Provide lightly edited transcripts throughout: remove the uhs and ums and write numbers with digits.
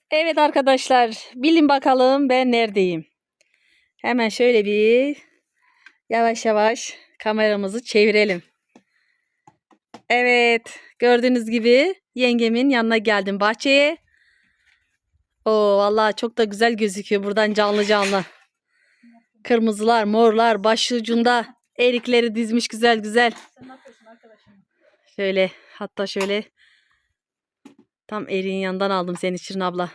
Evet arkadaşlar, bilin bakalım ben neredeyim. Hemen şöyle bir yavaş yavaş kameramızı çevirelim. Evet, gördüğünüz gibi yengemin yanına geldim bahçeye. Oo vallahi çok da güzel gözüküyor buradan canlı canlı. Kırmızılar, morlar, başucunda erikleri dizmiş güzel güzel. Sen ne yapıyorsun arkadaşım? Şöyle hatta şöyle tam eriğin yanından aldım seni Şirin abla.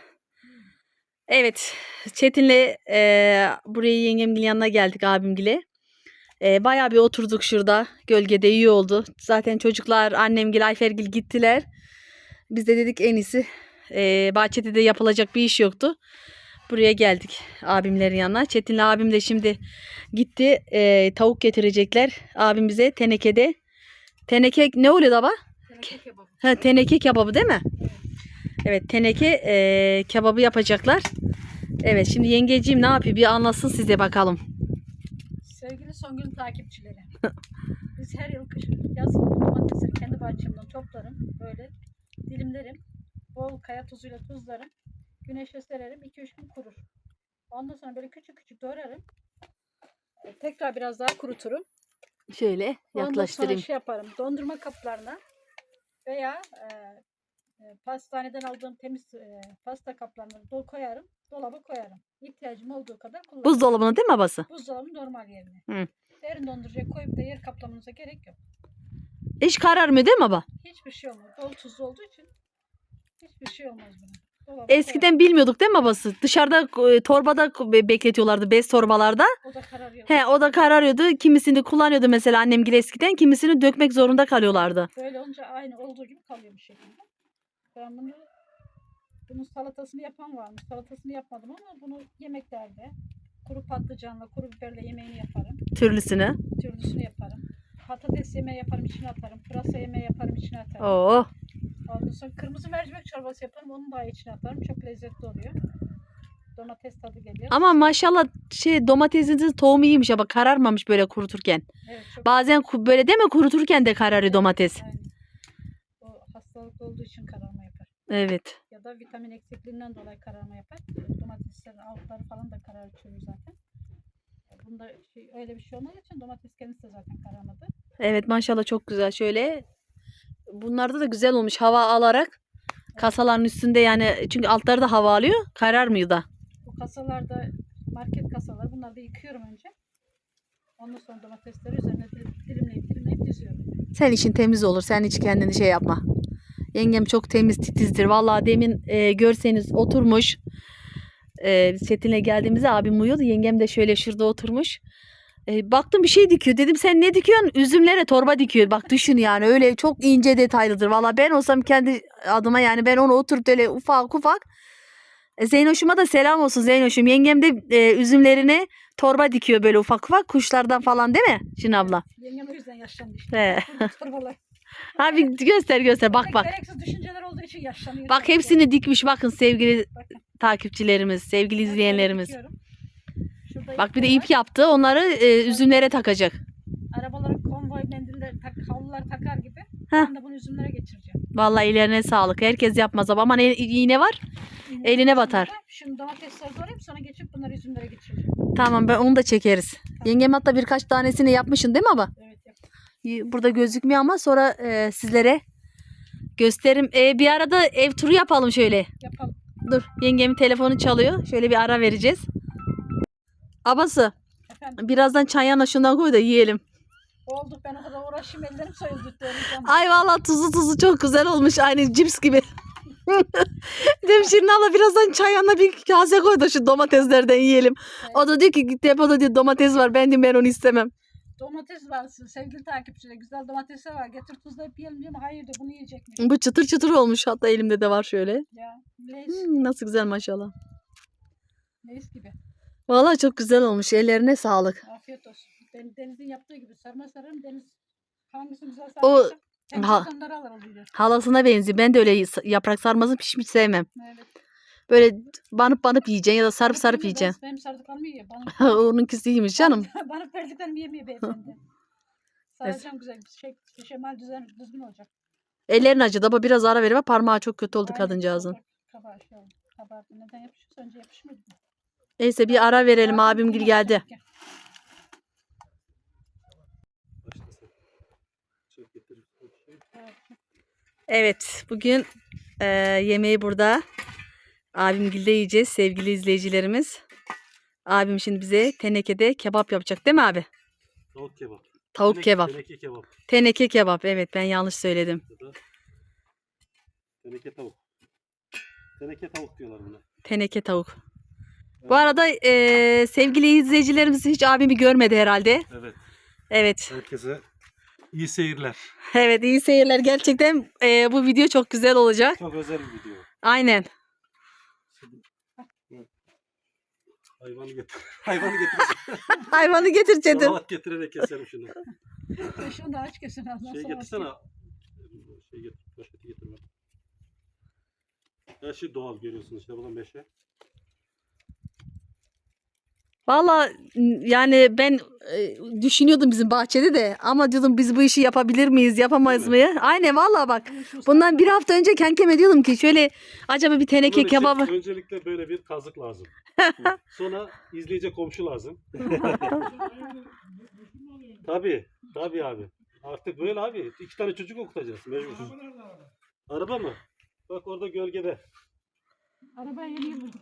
Evet, Çetin'le buraya yengemin yanına geldik abimgile. Bayağı bir oturduk şurada. Gölgede iyi oldu. Zaten çocuklar annemgil, Ayfergil gittiler. Biz de dedik en iyisi bahçede de yapılacak bir iş yoktu. Buraya geldik abimlerin yanına. Çetin'le abim de şimdi gitti. Tavuk getirecekler. Abim bize tenekede. Teneke ne oluyor baba? Teneke kebabı. Ha, teneke kebabı değil mi? Evet, teneke kebabı yapacaklar. Evet, şimdi yengeciğim ne yapıyor? Bir anlatsın size bakalım. Sevgili Songül'ün takipçileri. Biz her yıl kış yazın domatesleri kendi bahçemden toplarım. Böyle dilimlerim. Bol kaya tuzuyla tuzlarım. Güneşe sererim. 2-3 gün kurur. Ondan sonra böyle küçük küçük doğrarım. Tekrar biraz daha kuruturum. Şöyle Ondan sonra yaklaştırayım. yaparım. Dondurma kaplarına veya pastaneden aldığım temiz pasta kaplarına koyarım. Dolaba koyarım. İhtiyacım olduğu kadar kullanırım. Buzdolabına değil mi babası? Buzdolabının normal yerine. Hı. Derin dondurucuya koyup da yer kaplamanıza gerek yok. Hiç kararmıyor değil mi baba? Hiçbir şey olmaz. Bol tuzlu olduğu için hiçbir şey olmaz buna. Dolaba Eskiden bilmiyorduk değil mi babası? Dışarıda torbada bekletiyorlardı, bez torbalarda. koyarım. O da kararıyor. He, o da kararıyordu. Kimisini kullanıyordu mesela annemgil eskiden. Kimisini dökmek zorunda kalıyorlardı. Böyle olunca aynı olduğu gibi kalıyor bir şekilde. Ben bunun salatasını yapan varmış. Salatasını yapmadım ama bunu yemeklerde kuru patlıcanla, kuru biberle yemeğini yaparım. Türlüsünü. Türlüsünü yaparım. Patates yemeği yaparım, içine atarım. Pırasa yemeği yaparım, içine atarım. Oo. Ondan sonra kırmızı mercimek çorbası yaparım, onu da içine atarım. Çok lezzetli oluyor. Domates tadı geliyor. Ama maşallah domatesinizin tohumu iyiymiş ama kararmamış böyle kuruturken. Evet, çok Bazen böyle değil mi kuruturken de kararıyor domates. aynen. O hastalıklı olduğu için kararma yapar. Evet. Ya da vitamin eksikliğinden dolayı kararma yapar. Domateslerin altları falan da karartıyor zaten. Bunda öyle bir şey olmadığı için domates kendisi de zaten kararmadı. Evet maşallah çok güzel. Şöyle bunlarda da güzel olmuş hava alarak. Kasaların üstünde yani çünkü altları da hava alıyor. Kararmıyor da. Bu kasalarda market kasaları, bunları da yıkıyorum önce. Ondan sonra domatesleri üzerine dilimleyip diziyorum. Sen işin temiz olur. Sen hiç kendini şey yapma. Yengem çok temiz titizdir. Vallahi demin görseniz oturmuş. Biz Çetin'le geldiğimizde abim uyuyordu. Yengem de şöyle şurada oturmuş. Baktım bir şey dikiyor. Dedim sen ne dikiyorsun? Üzümlere torba dikiyor. Bak düşün yani öyle çok ince detaylıdır. Vallahi ben olsam kendi adıma yani ben onu oturup öyle ufak ufak. Zeynoş'uma da selam olsun Zeynoş'um. Yengem de üzümlerine torba dikiyor böyle ufak ufak kuşlardan falan değil mi Şin abla? Yengem o yüzden yaşlandı işte. He. Burada torbalar. Abi göster bak bak. Gereksiz düşünceler olduğu için yaşlanıyor. Bak hepsini dikmiş bakın sevgili Bakın. takipçilerimiz, sevgili Ben izleyenlerimiz. böyle dikiyorum. Şurada Bak bir de ipleri ip yaptı. Onları üzümlere takacak. var. Arabaların konvoy mendiller, havlular takar gibi. Heh. Ben de bunu üzümlere geçireceğim. Vallahi ellerine sağlık. Herkes yapmaz ama aman iğne var. Eline batar. Şimdi domatesleri doğrayıp sonra geçip bunları üzümlere geçireceğim. Tamam ben onu da çekeriz. Yengem hatta birkaç tanesini yapmışsın değil mi baba? Evet, yap. Burada gözükmüyor ama sonra sizlere gösteririm. Bir arada ev turu yapalım şöyle. Yapalım. Dur yengemin telefonu çalıyor. Şöyle bir ara vereceğiz. Abası Efendim, birazdan çayana şundan koy da yiyelim. oldu, ben o kadar uğraşayım, ellerim soyuldu. Ay vallahi tuzu çok güzel olmuş. Aynı cips gibi. Dedim Şirin abla birazdan çayana bir kase koy da şu domateslerden yiyelim. Evet. O da diyor ki depoda diyor domates var. Ben onu istemem. Domates var sevgili takipçiler. Güzel domatesler var. Getir tuzlayıp yiyelim diyorum. Hayır diyor, bunu yiyecek mi? Bu çıtır çıtır olmuş. Hatta elimde de var şöyle. Ya leş. Nasıl güzel maşallah. Leş gibi. Vallahi çok güzel olmuş. Ellerine sağlık. Afiyet olsun. Deniz'in yaptığı gibi sarma sararım. Deniz hangisini güzel O sararsa hem ha- onları alır oluyor. halasına benziyor. Ben de öyle yaprak sarmasını hiç sevmem. Evet. Böyle banıp yiyeceksin ya da sarıp yiyeceksin. Benim sardıklarımı yiyor. Bana, Onunkisi iyiymiş canım. bana verdiklerimi yemiyor beyefendi. Saracağım güzel bir şemal düzgün olacak. Ellerin acıdı ama biraz ara verme parmağı çok kötü oldu Aynen, kadıncağızın. kabağı şey oldu. Kabardı. Neden yapışıyorsa önce yapışmıyordu. Neyse bir ara verelim. Abimgil geldi. Evet, bugün yemeği burada abimgilde yiyeceğiz sevgili izleyicilerimiz. Abim şimdi bize tenekede kebap yapacak değil mi abi? Tavuk kebap. Tavuk kebap. Teneke kebap. Teneke kebap. Evet, ben yanlış söyledim. Ya da teneke tavuk. Teneke tavuk diyorlar buna. Teneke tavuk. Bu arada sevgili izleyicilerimiz hiç abimi görmedi herhalde. Evet. Evet. Herkese iyi seyirler. Evet, iyi seyirler. Gerçekten bu video çok güzel olacak. Çok özel bir video. Aynen. Hayvanı getir. Hayvanı getir. Hayvanı getir Çetin. Salavat getirerek keselim şunu. Şunu da aç kesin. Şey getirsene. Şey getir. Poşeti getir bak. Her şey doğal görüyorsunuz işte. Bu da meşe. Valla yani ben düşünüyordum bizim bahçede de ama diyordum biz bu işi yapabilir miyiz yapamayız Değil mı? Aynen valla bak bundan bir hafta önce kenkeme diyordum ki şöyle acaba bir teneke Bunun için kebabı. öncelikle böyle bir kazık lazım. Sonra izleyici komşu lazım. Tabii. Tabii abi. Artık böyle abi. 2 tane çocuk okutacağız. Mecbur. Araba mı? Bak orada gölgede. Arabaya yeni buldum.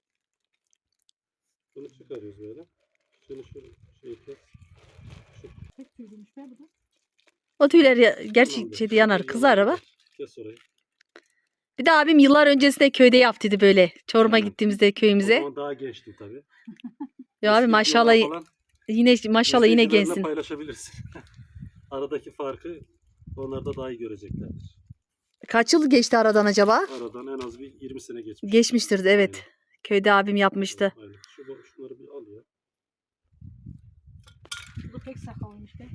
Bunu çıkarıyoruz böyle. Şunu şey kes. Tek tüylüymüş be bu da. O tüyler gerçi Tamamdır. şeyde yanar kızar araba. Kes orayı. Bir de abim yıllar öncesinde köyde yaptıydı böyle. Çorum'a Aynen. gittiğimizde O köyümüze. zaman daha gençtim tabii. Ya abi Eski maşallah videolar falan yine maşallah yine izleyicilerle gençsin. paylaşabilirsin. Aradaki farkı onlar da daha iyi göreceklerdir. Kaç yıl geçti aradan acaba? Aradan en az bir 20 sene geçmiş. Geçmiştir de evet. Köyde abim yapmıştı. Aynen. Şunları bir al ya. Bu pek sakallıymış be.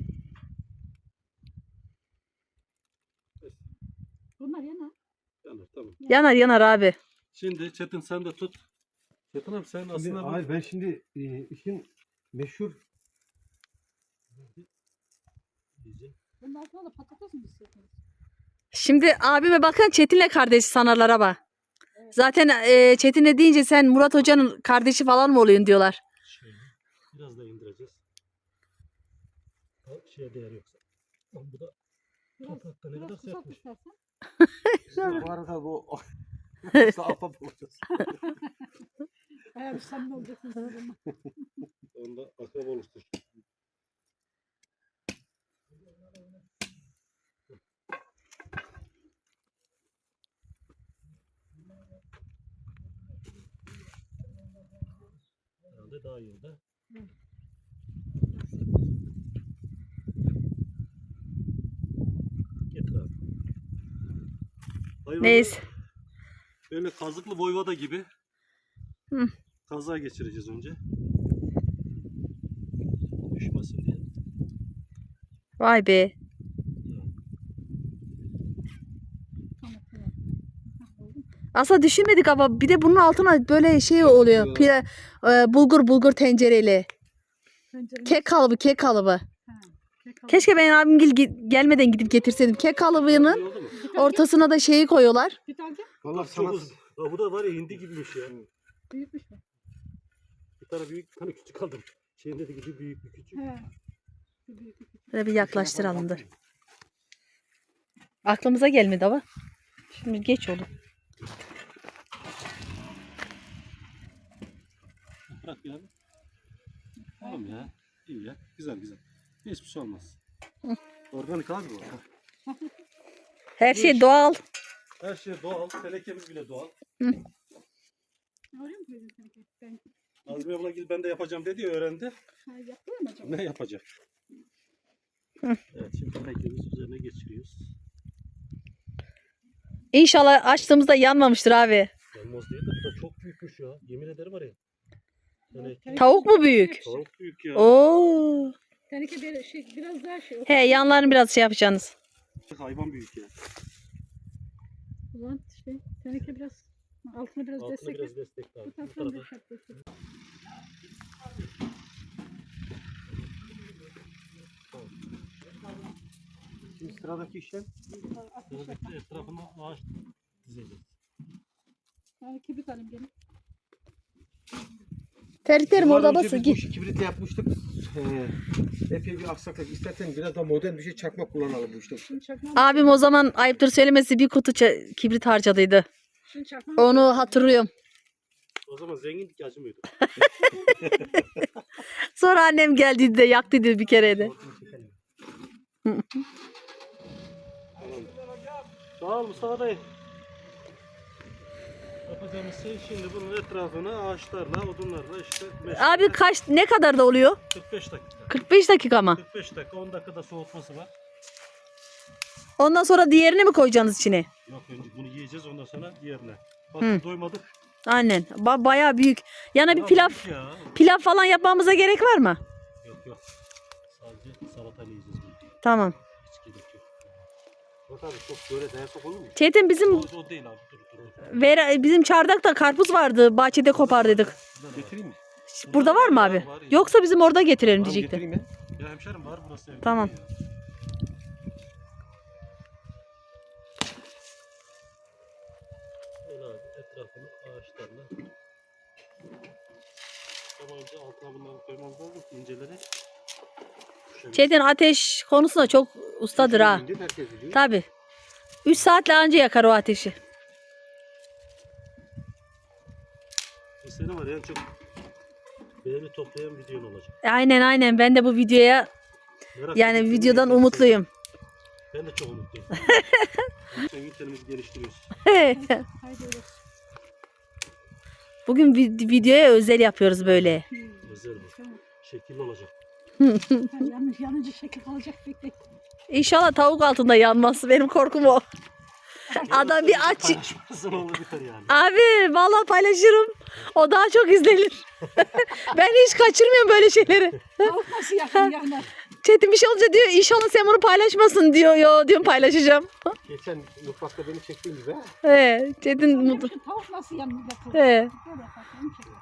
Kes. Bunlar yana. Yanar tamam. Yanar yanar abi. Şimdi Çetin sen de tut. Çetin abi sen aslında bu- Hayır ben şimdi işin meşhur Bunun altına da patates mi istiyorsunuz? Şimdi abime bakın Çetin'le kardeşi sanarlar ama. Zaten Çetin'e deyince sen Murat Hoca'nın kardeşi falan mı oluyorsun diyorlar. şöyle biraz da indireceğiz. Şeye değer yoksa. Lan bu da toprakta ne kadar Biraz kısalt sertmiş. istersen. bu arada bu ahbap olacağız. Bayağı bir samimi olacaksınız siz bununla. Onda akraba oluştur. Herhalde daha iyi oldu. Getir abi. Hayvanı Neyse. böyle kazıklı voyvoda gibi Hı. kaza geçireceğiz önce. Düşmesin diye. Vay be. Aslında düşünmedik ama bir de bunun altına böyle şey oluyor. Pire, bulgur tencereli. Kek kalıbı. Keşke ben abim gelmeden gidip getirseydim. Kek kalıbını İyi oldu mu? ortasına da şeyi koyuyorlar. Bir tane Vallahi Çok sana uzun. Aa, bu da var ya hindi gibiymiş ya. büyükmüş mü? Bir tane büyük, bir tane küçük aldım. Şeyin dediği gibi büyük bir küçük. He. Bir büyük, bir küçük. Böyle bir yaklaştıralım dur. Aklımıza gelmedi ama. Şimdi geç oldu. Bırak ya. Tamam ya. İyi ya. Güzel güzel. Hiçbir şey olmaz. Organik abi bu. Her şey doğal. Her şey doğal. Tenekemiz bile doğal. Oraya mı koydun sanki? Ben Azmi abla ben de yapacağım dedi ya öğrendi. yapıyor mu acaba? Ne yapacak? Evet şimdi tenekemiz üzerine geçiriyoruz. İnşallah açtığımızda yanmamıştır abi. Yanmaz değil de bu da çok büyükmüş ya. Yemin ederim var ya. Teneke. Tavuk mu büyük? Tavuk büyük ya. Oo. Teneke biraz daha şey. He yanlarını biraz şey yapacaksınız. Hayvan büyük ya. O zaman işte teneke biraz altına biraz Altına destek. biraz destek lazım. Bu Bu taraftan tarafa. da şart destek. şimdi sıradaki işlem Sıradaki etrafına ağaç dizeceğiz. Yani kibrit alayım gene. Terliklerim Yıllar orada önce basın. biz bu işi kibritle yapmıştık. Epey bir aksaklık. İstersen biraz daha modern bir şey çakmak kullanalım bu işte. Şimdi çakmam. Abim o zaman ayıptır söylemesi bir kutu kibrit harcadıydı. Şimdi çakmam. Onu hatırlıyorum. O zaman zenginlik acımıyordu. Sonra annem geldi de yaktıydı bir kere de. Tamam. Sağ ol Mustafa dayı. Yapacağımız şey şimdi bunun etrafını ağaçlarla, odunlarla işte Abi ne kadar da oluyor? 45 dakika. 45 dakika mı? 45 dakika, 10 dakikada soğutması var. Ondan sonra diğerini mi koyacaksınız içine? Yok önce bunu yiyeceğiz ondan sonra diğerine. Hı. Bak doymadık. Aynen. Bayağı büyük. Yana bir Ya pilav büyük ya. pilav falan yapmamıza gerek var mı? Yok. Sadece salatayla yiyeceğiz bunu. Tamam. Hiç gerek yok. Bak abi çok böyle dayasak olur mu? Çetin bizim O değil abi dur. bizim çardakta karpuz vardı. Bahçede kopardıydık. Getireyim mi? Burada var mı abi? Var ya. Yoksa bizim orada getirelim Tamam, diyecektim. getireyim ya. Ya hemşerim var burası evde. Tamam. Ya. Böyle abi etrafını ağaçlarla. Ama önce altına bunları koymamız lazım ki inceleri. Çetin ateş konusunda çok ustadır ha. Herkes biliyor, herkes biliyor. Tabi. 3 saatle anca yakar o ateşi. Bu sene var ya en çok beğeni toplayan videon olacak. Aynen ben de bu videoya Merak yani ettim, videodan izleyeceğiz. umutluyum. Ben de çok umutluyum. Sen ülkemizi geliştiriyoruz. Haydi öyle. Bugün videoya özel yapıyoruz böyle. Özel bu. Tamam. Şekilli olacak. Yanınca şekil kalacak bekle. İnşallah tavuk altında yanmaz. Benim korkum o. Adam bir aç. Paylaşmazsan olur biter yani. Abi vallahi paylaşırım. O daha çok izlenir. Ben hiç kaçırmıyorum böyle şeyleri. Tavuk nasıl yakın yanar? Çetin bir şey olunca diyor inşallah sen bunu paylaşmasın diyor. Yo diyorum paylaşacağım. Geçen mutfakta beni çektiğin gibi ha. He, Çetin mutlu. Şu tavuk nasıl yakılır? He. Böyle yaparsın, onu çekiyor.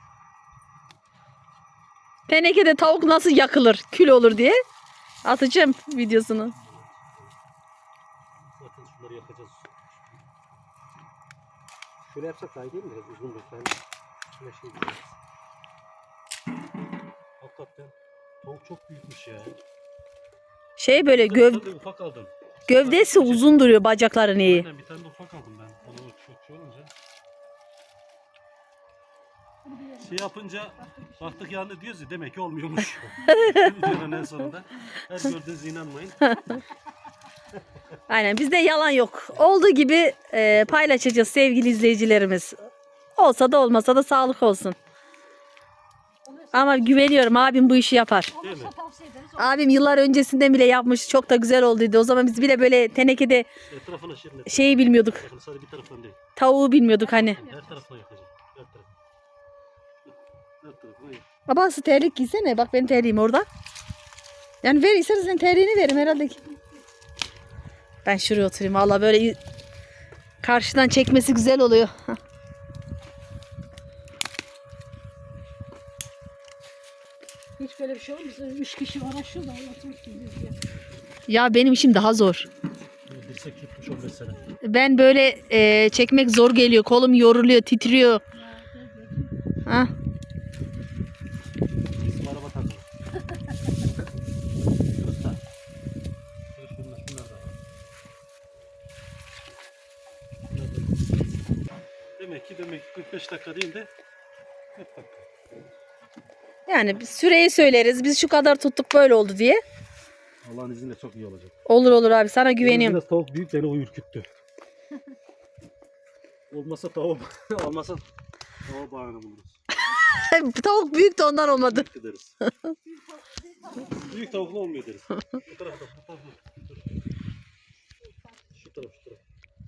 Tenekede tavuk nasıl yakılır, kül olur diye atacağım videosunu. Zaten şunları yakacağız. Şöyle yapsak daha iyi değil mi? Biraz uzun bir tane. Şöyle şey yapacağız. Hakikaten tavuk çok büyükmüş ya. Şey böyle Bir tane de ufak aldım. gövdesi uzun duruyor, bacakları iyi. Aynen bir tane de ufak aldım ben. Onu çok şey olunca. Şey yapınca baktık yandı diyoruz ya demek ki olmuyormuş. Videonun en sonunda. Her gördüğünüze inanmayın. Aynen bizde yalan yok. Olduğu gibi paylaşacağız sevgili izleyicilerimiz. Olsa da olmasa da sağlık olsun. Ama güveniyorum abim bu işi yapar. Değil mi? Olursa tavsiye ederiz. Abim yıllar öncesinden bile yapmış. Çok da güzel olduydu. O zaman biz bile böyle tenekede Etrafına şirin. şeyi bilmiyorduk. Bakın sadece bir taraftan değil. Tavuğu bilmiyorduk hani. Her tarafına yakacağım. Her tarafına. Her tarafına yak. Babası terlik giysene. Bak benim terliğim orada. Yani ver istersen terliğini verim herhalde. Ben şuraya oturayım. Valla böyle karşıdan çekmesi güzel oluyor. Hiç böyle bir şey olmaz. 3 kişi uğraşıyor da oturmuş gibi biz ya. Ya benim işim daha zor. Dirsek tutmuş 15 sene. Ben böyle çekmek zor geliyor. Kolum yoruluyor, titriyor. Ha. Bizim araba takılı. Usta. Şunlar da var. Demek ki 45 dakika değil de 40 dakika. Yani biz süreyi söyleriz. Biz şu kadar tuttuk böyle oldu diye. Allah'ın izniyle çok iyi olacak. Olur abi sana güveniyorum. Biraz tavuk büyük beni o ürküttü. Olmasa tavuk, olmasa tavuk bağını buluruz. Tavuk büyük de ondan olmadı. Büyük deriz. Büyük tavuklu olmuyor deriz. Bu tarafta, bu tarafta. Şu taraf, şu taraf.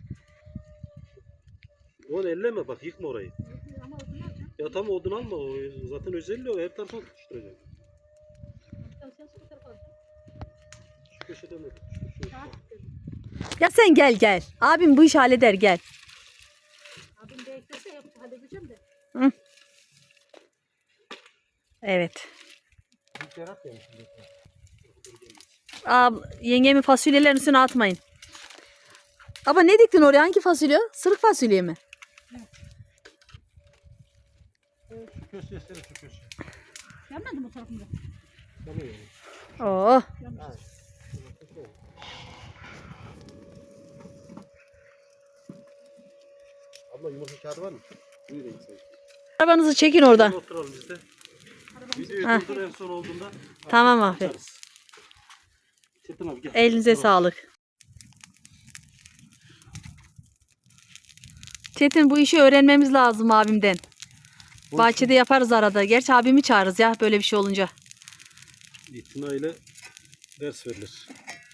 Onu elleme bak, yıkma orayı. Ama odun alacağım. Ya tam odun alma, o zaten özelliği o, her tarafa tutuşturacak. Sen bu tarafa alacaksın. Şu köşeden de tutuştur. Şu. Saat dedim. Ya sen gel. Abim bu işi halleder gel. Abim de eklese halledeceğim de. Evet. Büyük yarat yemiş. Yengemin fasulyelerin üstüne atmayın. Ama ne diktin oraya? Hangi fasulye? Sırık fasulye mi? Şu köşeye seni şu köşeye. Yanmadı mı o tarafında? Tamam yani. Oo. Yanmış. Abla yumurta kağıdı var mı? Buyurun sen. Arabanızı çekin oradan. Oturalım biz de. Videoyu Ha. durdur en son olduğunda. Tamam abi. açarız. Çetin abi gel. Elinize Dur. sağlık. Çetin bu işi öğrenmemiz lazım abimden. Bahçede yaparız arada. Gerçi abimi çağırırız ya böyle bir şey olunca. İtinayla ders verilir.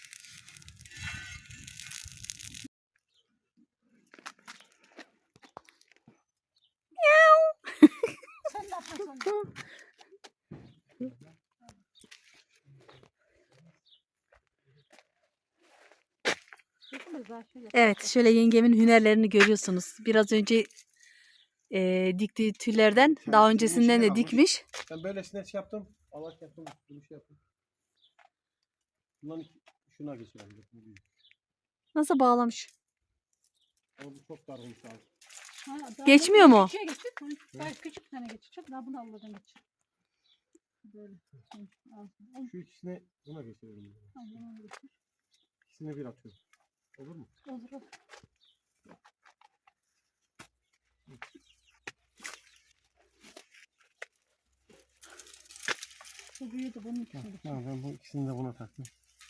Sen ne yapıyorsun? Evet şöyle yengemin hünerlerini görüyorsunuz. Biraz önce diktiği tüllerden daha öncesinden de dikmiş. Ben böylesine şey yaptım. Allah yaptım. Bunu şey yaptım. Bundan şuna geçirelim. Nasıl bağlamış? Ama bu çok dar olmuş abi. Ha, daha Geçmiyor mu? Küçüğe geçecek. Daha küçük tane geçecek. Daha bunu Allah'tan geçecek. Böyle. Al. Şu ikisini buna geçirelim. Allah'tan geçecek. İkisini bir atıyorum. Olur mu? Olur olur. Bu büyüdü bunun ikisini geçecek. Tamam ben bu ikisini de buna taktım.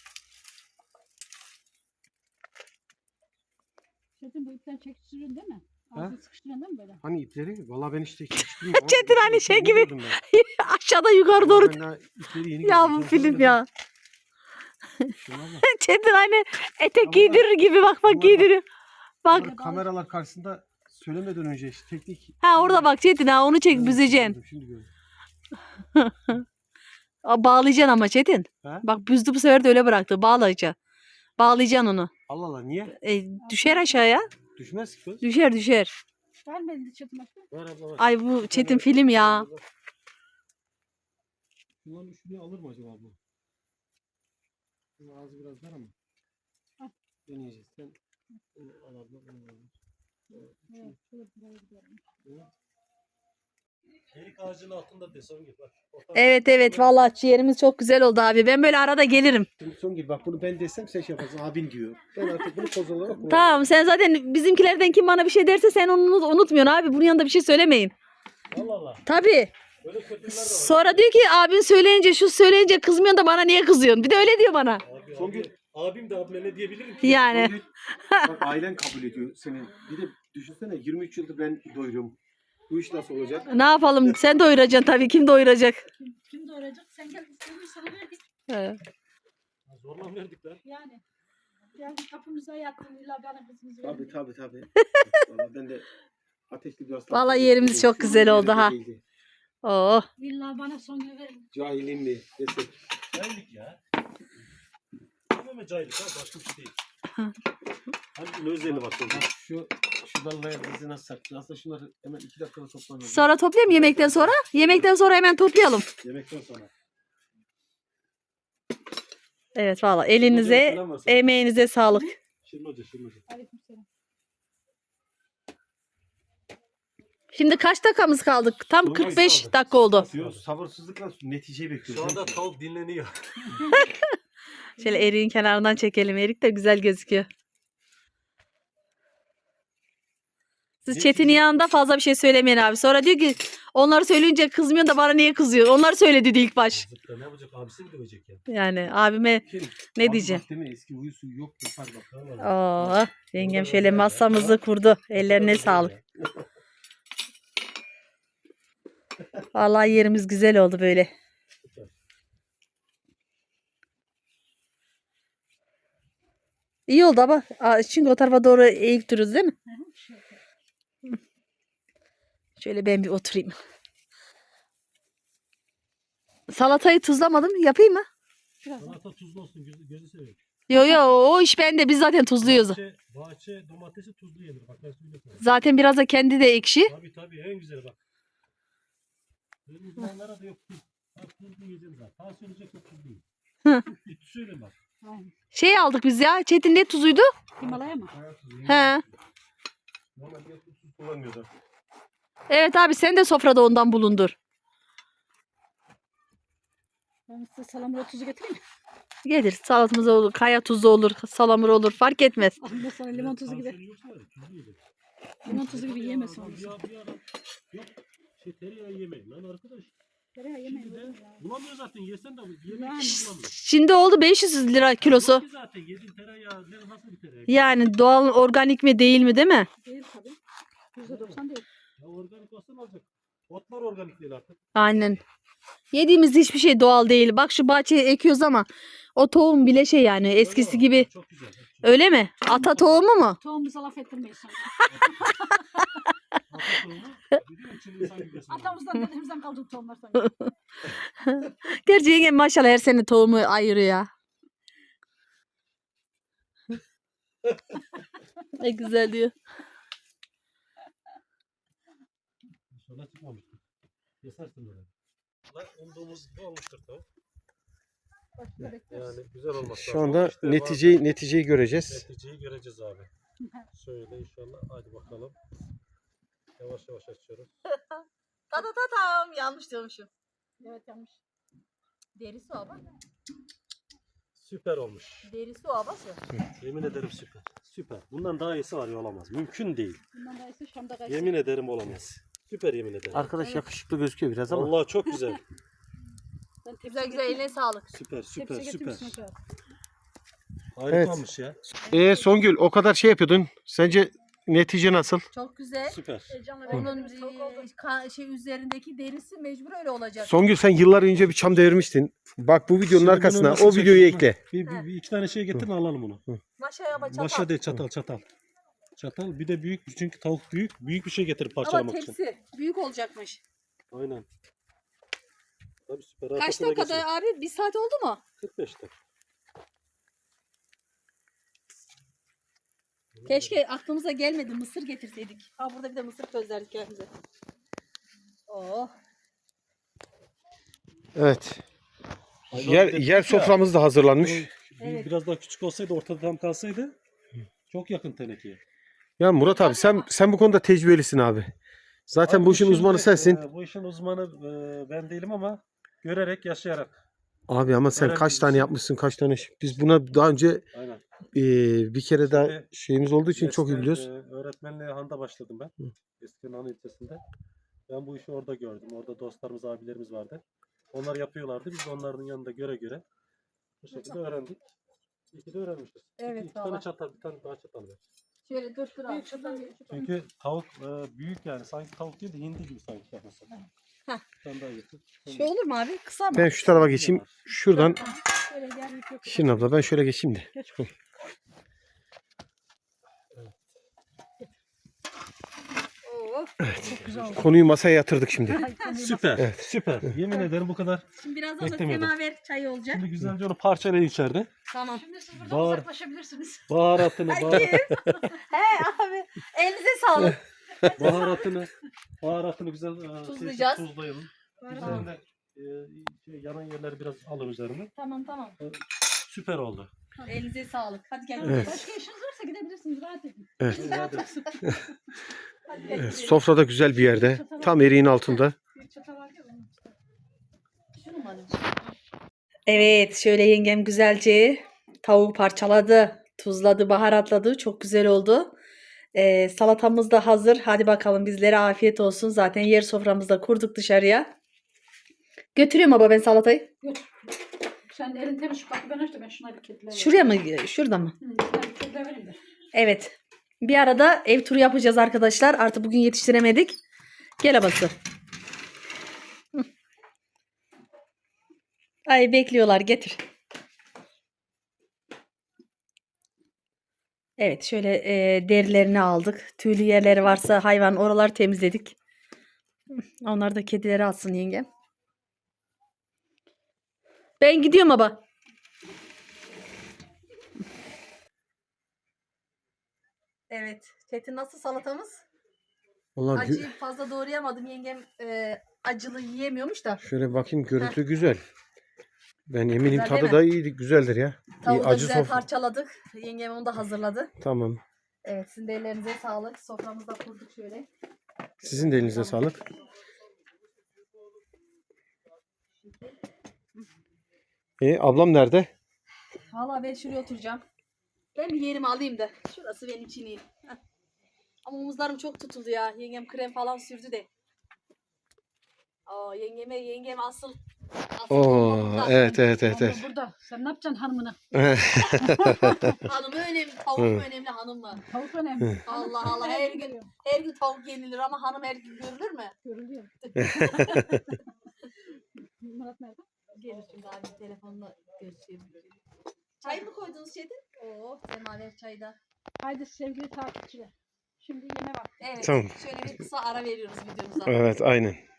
Çetin bu ipten çekiştiriyorsun değil mi? Ağzını sıkıştırıyorsun değil mi böyle? Hani ipleri? Valla ben işte geçtim. Çetin hani şey gibi. Aşağıda yukarı doğru. Ya bu film ya. Çetin hani etek Ama giydirir gibi bak bunlar bak- giydiriyor. Bak. Kameralar karşısında söylemeden önce işte teknik. Ha orada bak Çetin ha onu çek büzeceksin. Şimdi gördüm. Bağlayacaksın ama Çetin. He? Bak büzdü bu sefer de öyle bıraktı. Bağlayacaksın. Bağlayacaksın onu. Allah Allah niye? Düşer aşağıya. Düşmez ki kız. Düşer düşer. Vermedi Çetin bak. Ver abla ver. Ay bu Çetin film ya. Şundan şunu alır mı acaba bu? Bunun ağzı biraz dar ama. Al. Deneyeceğiz. Sen bunu al abla. Bunu al. Evet, şöyle buraya gidelim. Erik ağacının altında de son git bak. Evet evet vallahi ciğerimiz çok güzel oldu abi. Ben böyle arada gelirim. Şimdi son gibi bak bunu ben desem sen şey yaparsın. Abin diyor. Ben artık bunu koz olarak kullanıyorum. Tamam sen zaten bizimkilerden kim bana bir şey derse sen onu unutmuyorsun abi. Bunun yanında bir şey söylemeyin. Allah Allah. Tabii. Böyle kötüler de var. Sonra diyor ki abin söyleyince şu söyleyince kızmıyorsun da bana niye kızıyorsun? Bir de öyle diyor bana. Abi, Son abi, gün- abim de abime ne diyebilirim ki? Yani. Son gün- bak ailen kabul ediyor senin. Bir de düşünsene 23 yıldır ben doyuruyorum. Bu iş nasıl olacak? Ne yapalım? Sen doyuracaksın tabii. Kim doyuracak? Kim doğuracak? Sen gel istediğin sana verdik. He. Zorla verdik lan. Yani. Gel kapımıza yattın illa bana kızımızı Tabii verdik. tabii. Vallahi ben de ateşli bir hasta. Vallahi yerimiz çok güzel oldu ha. Oh. İlla bana son gün verin. Cahilim mi desek. Cahillik ya. Tamamen cahillik ha. Başka bir şey değil. Hani özeli bak. Bak şu dalları bizi nasıl saktı? Aslında şunları hemen 2 dakikada toplanıyor. Sonra toplayalım yemekten sonra. Yemekten sonra hemen toplayalım. Yemekten sonra. Evet valla elinize, Selam var sana. emeğinize sağlık. Şırmacı. Aleykümselam. Şimdi kaç dakikamız kaldı? Tam Son 45 kaldı. dakika oldu. Diyor sabırsızlıkla neticeyi Şu bekliyoruz. anda tavuk dinleniyor. Şöyle eriğin kenarından çekelim. Erik de güzel gözüküyor. Siz Çetin'in yanında fazla bir şey söylemeyin abi. Sonra diyor ki onları söyleyince kızmıyor da bana niye kızıyor? Onlar söyledi dedi ilk baş. Zıpla ne yapacak? Abisi mi dövecek ya? Yani abime Kim? ne Abi diyeceğim? bak deme eski huyu suyu yok. Yapar bak. Oo, yengem şöyle masamızı kurdu. Ellerine sağlık. Vallahi yerimiz güzel oldu böyle. İyi oldu ama çünkü o tarafa doğru eğik duruyoruz değil mi? Şöyle ben bir oturayım. Salatayı tuzlamadım. Yapayım mı? Salata tuzlu olsun. Gözü seviyor. Yo yo o iş bende. Biz zaten tuzluyoruz. Bahçe domatesi tuzlu yenir. Bak ben söyleyeyim sana. Zaten biraz da kendi de ekşi. Tabii en güzeli bak. Benim uzmanlara da yok. Bak tuzlu yiyeceğim zaten. Tansiyon olacak yok tuzlu yiyin. Ciddi söyleyeyim bak. Aynen. Şey aldık biz ya. Çetin ne tuzuydu? Himalaya mı? He. Normalde tuz kullanmıyorlar. Evet abi sen de sofrada ondan bulundur. Ben size salamura tuzu getireyim mi? Gelir salatamız olur, kaya tuzu olur, salamur olur fark etmez. Aslında sana limon tuzu gibi. Tansiyonu yoksa tuzlu yedim. Limon tuzu gibi yeme sonra. Bir ara yok tereyağı yemeyin lan arkadaş. Tereyağı yemeyin. Şimdi de oğlum ya. bulamıyor zaten yesen de yemek Yani. için bulamıyor. Şimdi oldu 500 lira kilosu. Ki zaten yediğin tereyağı nasıl bir tereyağı? Yani doğal organik mi değil mi değil mi? Değil tabii. %90 değil. Ya organik olsa ne olacak? Otlar organik değil artık. Aynen. Yediğimiz hiçbir şey doğal değil. Bak şu bahçeye ekiyoruz ama o tohum bile şey yani eskisi gibi. Çok güzel. Çok güzel. Öyle mi? Ata tohumu mu? Tohumumuza laf ettirmeyiz sonra. Biliyor musun insan gibi beslenir. Atamızdan dedemizden kaldık tohumlar sonra. Gerçi yengem maşallah her sene tohumu ayırıyor ya. Ne güzel diyor. İnşallah çıkmamıştır. Kesersin böyle. Lan umduğumuz gibi olmuştur tabii. Başka bekleriz. Yani güzel olmaz. Şu anda neticeyi göreceğiz. Neticeyi göreceğiz abi. Şöyle inşallah. Hadi bakalım. Yavaş yavaş açıyoruz. Tam yanlış diyormuşum. Evet yanlış. Derisi o ama. Süper olmuş. Derisi o abası. Yemin ederim süper. Süper. Bundan daha iyisi var ya olamaz. Mümkün değil. Bundan da ise Şam'da kaçtı. Yemin ederim olamaz. Süper yemin ederim. Arkadaş yakışıklı gözüküyor biraz ama. Vallahi çok güzel. Ben tepsi Güzel güzel eline sağlık. Süper süper Tepsi süper. getirmişsin Efe abi. Harika olmuş ya. Songül o kadar şey yapıyordun. Sence netice nasıl? Çok güzel. Süper. Heyecanla Onun beklediğimiz tavuk oldu. şey üzerindeki derisi mecbur öyle olacak. Songül sen yıllar önce bir çam devirmiştin. Bak bu videonun Şimdi arkasına bunu nasıl o videoyu çekeyim ekle. Bir iki tane şey getirin alalım onu. Maşa yapa çatal. Başa değil çatal çatal. Çatal bir de büyük çünkü tavuk büyük. Büyük bir şey getirip Ama parçalamak için. tepsi büyük olacakmış. Aynen. Tabii süper. Kaç Arkasına dakikada geçin. abi? Bir saat oldu mu? 45 dakika. Keşke aklımıza gelmedi mısır getirseydik. Ha burada bir de mısır közlerdik kendimize. Oh. Evet. Aynen, Yer, bir de yer ya, soframız da hazırlanmış. Evet. Biraz daha küçük olsaydı ortada tam kalsaydı çok yakın tenekeye. Ya Murat abi sen bu konuda tecrübelisin abi. Zaten Abi bu işin uzmanı şimdi, sensin. bu işin uzmanı ben değilim ama görerek yaşayarak. Abi ama sen öğrendim kaç tane işte. yapmışsın kaç tane. Biz buna daha önce Aynen. bir kere daha Şimdi şeyimiz olduğu için çok iyi Eskiden, biliyoruz. öğretmenliğe Han'da başladım ben. Eskiden Han ilçesinde. Ben bu işi orada gördüm. Orada dostlarımız, abilerimiz vardı. Onlar yapıyorlardı. Biz de onların yanında göre bu şekilde öğrendik. İyi ki de öğrenmişiz. Evet, iki tane valla. çatal, bir tane daha çatal ver. Şöyle dur abi. Büyük şuradan bir küçük. Çünkü tavuk büyük yani. Sanki tavuk değil de hindi gibi sanki yapması. Heh. Bir tane daha getir. Şey olur mu abi? Kısa mı? Ben şu tarafa geçeyim. Şuradan Şöyle gel büyük yok. Şirin abla ben şöyle geçeyim de. Geç. Oo. Çok güzel oldu. Konuyu masaya yatırdık şimdi. Süper. Evet. Süper. Yemin ederim bu kadar. Şimdi birazdan da Beklemiyordum. semaver çayı olacak. Şimdi güzelce onu parçalayın içeride. Tamam. Şimdi siz buradan Bağır. uzaklaşabilirsiniz. Baharatını, He abi. Elinize sağlık. baharatını güzel Tuzlayacağız. tuzlayalım. Tamam. Üzerinde yanan yerleri biraz alın üzerine. Tamam tamam. Süper oldu. Elinize sağlık. Hadi gel. Evet. Başka işiniz varsa gidebilirsiniz. Rahat edin. Evet. Biz rahat olsun. Hadi gel. Evet, sofrada güzel bir yerde. Tam eriğin altında. Bir çatal var ya onun. Şunu mu alayım? Evet, şöyle yengem güzelce tavuğu parçaladı, tuzladı, baharatladı. Çok güzel oldu. Salatamız da hazır. Hadi bakalım bizlere afiyet olsun. Zaten yer soframızda kurduk dışarıya. Götürüyorum baba ben salatayı. Götür. Sen elin temiz şu kapı ben açtım. Ben şuna bir kediler Şuraya mı? Şurada mı? Ben bir kediler vereyim de. Evet. Bir arada ev turu yapacağız arkadaşlar. Artık bugün yetiştiremedik. Gel abası. Hı. Ay bekliyorlar getir. Evet şöyle derilerini aldık. Tüylü yerleri varsa hayvan oraları temizledik. Hı, onlar da kedileri alsın yengem. Ben gidiyorum baba. Evet. Çetin nasıl salatamız? Vallahi Acıyı fazla doğrayamadım. Yengem acılı yiyemiyormuş da. şöyle bakayım görüntü güzel. Ben eminim Güzel tadı değil da iyi güzeldir ya. İyi, Tavuğu da acı güzel sofra. parçaladık. Yengem onu da hazırladı. Tamam. Evet sizin de ellerinize sağlık. Soframızı da kurduk şöyle. Sizin de elinize sağlık. Ablam nerede? Valla ben şuraya oturacağım. Ben bir yerimi alayım da. Şurası benim için iyi. Heh. Ama omuzlarım çok tutuldu ya. Yengem krem falan sürdü de. Aa, yengem asıl Oo, bomba burada. evet. Abla burada. Sen ne yapacaksın hanımına? Hanım önemli, tavuk mu önemli, hanım mı? Tavuk önemli. Allah Allah, her gün tavuk yenilir ama hanım her gün görülür mü? Görülüyor. Murat nerede? Gelir şimdi abi telefonla görüşelim. Çay mı koydunuz Çetin? Oo, semaver çayı da. Haydi sevgili takipçiler. Şimdi yeme vakti. Evet, Tamam. şöyle bir kısa ara veriyoruz videomuza. Evet, aynen.